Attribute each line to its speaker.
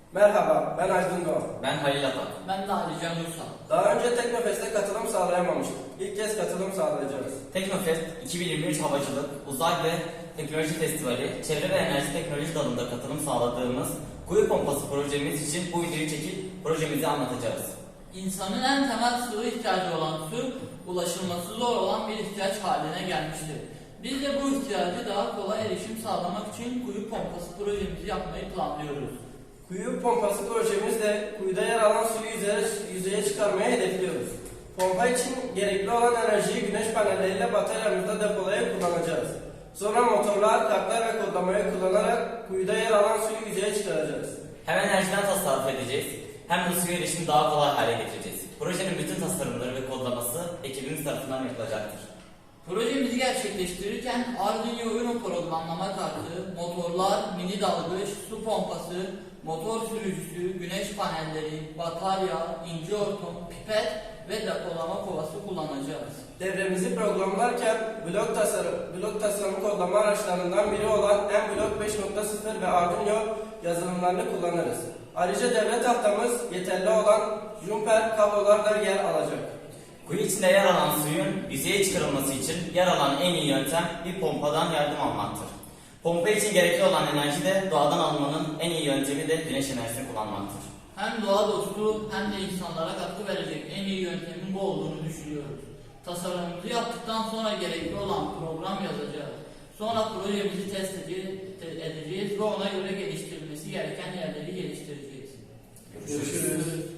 Speaker 1: Merhaba, ben Aydın Doğan.
Speaker 2: Ben Halil Atak.
Speaker 3: Ben de Ali Can Uysal.
Speaker 1: Daha önce Teknofest'e katılım sağlayamamıştık. İlk kez katılım sağlayacağız.
Speaker 2: Teknofest 2023 Havacılık, Uzay ve Teknoloji Festivali, Çevre ve Enerji Teknoloji dalında katılım sağladığımız kuyu pompası projemiz için bu videoyu çekip projemizi anlatacağız.
Speaker 3: İnsanın en temel sıvı ihtiyacı olan su, ulaşılması zor olan bir ihtiyaç haline gelmiştir. Biz de bu ihtiyacı daha kolay erişim sağlamak için kuyu pompası projemizi yapmayı planlıyoruz.
Speaker 1: Kuyu pompası projemizle kuyuda yer alan suyu yüzeye çıkarmayı hedefliyoruz. Pompa için gerekli olan enerjiyi güneş panelleriyle bataryamızda depolayıp kullanacağız. Sonra motorlar, kartlar ve kodlamayı kullanarak kuyuda yer alan suyu yüzeye çıkaracağız.
Speaker 2: Hem enerjiden tasarruf edeceğiz, hem de suya erişimi daha kolay hale getireceğiz. Projenin bütün tasarımları ve kodlaması ekibimiz tarafından yapılacaktır.
Speaker 3: Projemizi gerçekleştirirken Arduino Uno programlama kartı, motorlar, mini dalgıç, su pompası, motor sürücüsü, güneş panelleri, batarya, ince hortum, pipet ve depolama kovası kullanacağız.
Speaker 1: Devremizi programlarken blok tasarımı kodlama araçlarından biri olan mBlock 5.0 ve Arduino yazılımlarını kullanırız. Ayrıca devre tahtamız yeterli olan jumper kablolar da yer alacak.
Speaker 2: Kuyu içinde yer alan suyun yüzeye çıkarılması için yer alan en iyi yöntem bir pompadan yardım almaktır. Pompa için gerekli olan enerji de doğadan almanın en iyi yöntemi de güneş enerjisini kullanmaktır.
Speaker 3: Hem doğa dostu hem de insanlara katkı verecek en iyi yöntemin bu olduğunu düşünüyoruz. Tasarımımızı yaptıktan sonra gerekli olan program yazacağız. Sonra projemizi test edeceğiz ve ona göre geliştirilmesi gereken yerleri geliştireceğiz.
Speaker 1: Görüşürüz.